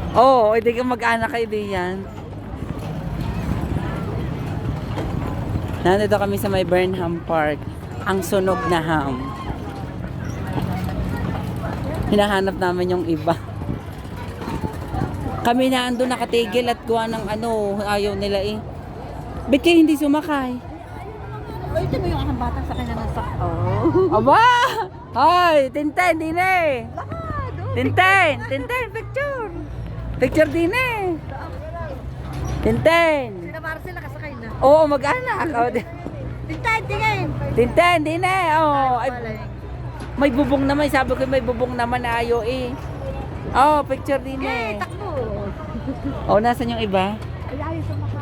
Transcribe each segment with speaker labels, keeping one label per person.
Speaker 1: Oo, hindi ka mag-anak kayo din yan. Nandito kami sa may Burnham Park. Ang sunog na ham. Hinahanap namin yung iba. Kami na ando nakatigil at gawa ng ano, ayaw nila eh. Ba't kayo hindi sumakay?
Speaker 2: Ay, ito mo yung akang bata sa kanya ng sak. Oh.
Speaker 1: Aba! Hoy, Tintin, din eh.
Speaker 2: Baka, doon.
Speaker 1: Tintin, picture. Picture din eh. Tintin.
Speaker 2: Sila para sila kasakay na.
Speaker 1: Oo, mag-anak. Oh,
Speaker 2: Tintin, tingin.
Speaker 1: Tintin, din eh. Oh, ay,
Speaker 2: Wala eh.
Speaker 1: may bubong naman. Sabi ko may bubong naman na ayaw eh. Oh, picture din
Speaker 2: Eh,
Speaker 1: eh.
Speaker 2: takbo.
Speaker 1: Oh, nasan yung iba?
Speaker 2: Ay, ayos sa maka.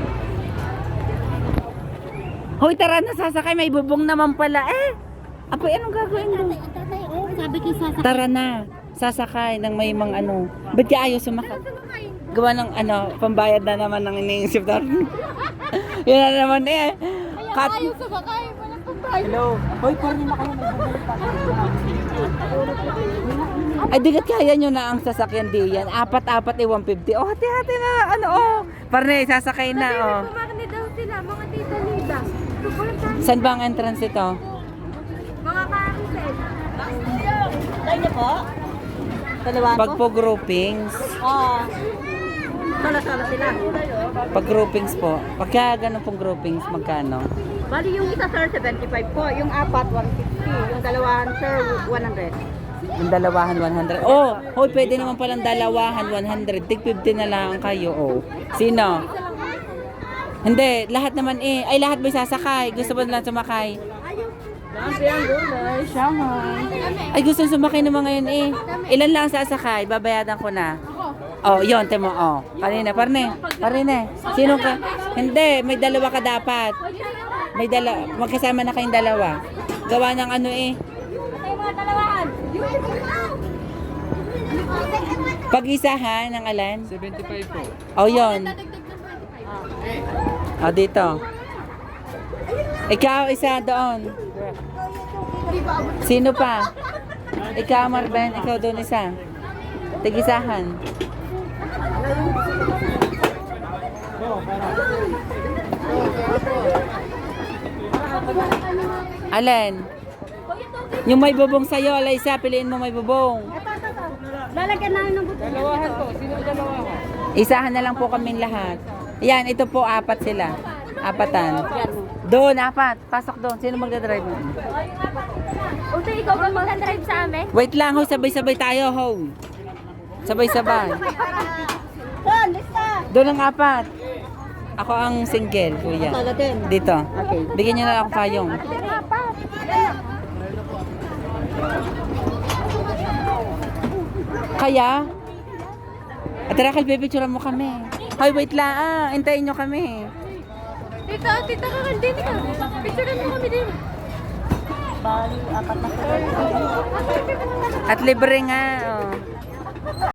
Speaker 1: Hoy, tara na sasakay. May bubong naman pala eh. Apoy, anong gagawin mo?
Speaker 2: Tatay, oh, sabi ko sasakay.
Speaker 1: Tara na. Sasakay ng may mga ano. Ba't ka ayaw sumakay? Gawa ng ano, pambayad na naman ng iniisip natin. Yun na naman eh. Cut.
Speaker 2: Ayaw sumakay. Walang pambayad.
Speaker 1: Hello. Hoy, parang na kayo Ay, digat kaya nyo na ang sasakyan diyan. Apat-apat eh, 150. Oh, hati-hati na. Ano, oh. Parne, sasakay na, oh.
Speaker 2: Kumakni daw sila, mga tita Lida.
Speaker 1: Saan ba ang entrance ito?
Speaker 2: Mga kakiset. Tayo niyo po? Dalawa
Speaker 1: Pag po groupings.
Speaker 2: Oo. Sala-sala sila.
Speaker 1: Pag groupings po. Pagka ganun pong groupings, magkano?
Speaker 2: Bali yung isa sir, 75 po. Yung apat, 150. Yung dalawahan sir, 100.
Speaker 1: Yung dalawahan, 100. Oh, hoy, pwede naman palang dalawahan, 100. Tig 50 na lang kayo, oh. Sino? Hindi, lahat naman eh. Ay, lahat may sasakay. Gusto ba lang sumakay? Ay, gusto sumakay naman ngayon eh. Ilan lang sasakay? Babayadan ko na. Oh, yon temo, oh. Parine. Sino ka? Hindi, may dalawa ka dapat. May magkasama na kayong dalawa. Gawa ng ano eh. Pag-isahan ng alan?
Speaker 3: 75 po.
Speaker 1: Oh, yon. Oh, dito. Ikaw, isa doon. Sino pa? Ikaw, Marben. Ikaw doon isa. Tigisahan. Alin? Yung may bubong sa'yo, Alaysa, piliin mo may bubong.
Speaker 2: Lalagyan namin ng buto.
Speaker 3: Dalawahan po. Sino dalawahan?
Speaker 1: Isahan na lang po kaming lahat. Yan, ito po, apat sila. Apatan. Doon, apat. Pasok doon. Sino magdadrive mo?
Speaker 2: Uto, ikaw ba mag-drive sa amin?
Speaker 1: Wait lang, ho. Sabay-sabay tayo, ho. Sabay-sabay.
Speaker 2: Son, lista!
Speaker 1: Doon ang apat. Ako ang single, kuya.
Speaker 2: Tala din.
Speaker 1: Dito.
Speaker 2: Okay.
Speaker 1: Bigyan niyo na lang ako payong. Kaya? At tara, pipicturean mo kami. Hoy, wait lang. Hintayin nyo kami.
Speaker 2: Tita ka kan din ka. Picturean mo kami din. Bali, apat na sila.
Speaker 1: At libre nga. Oh.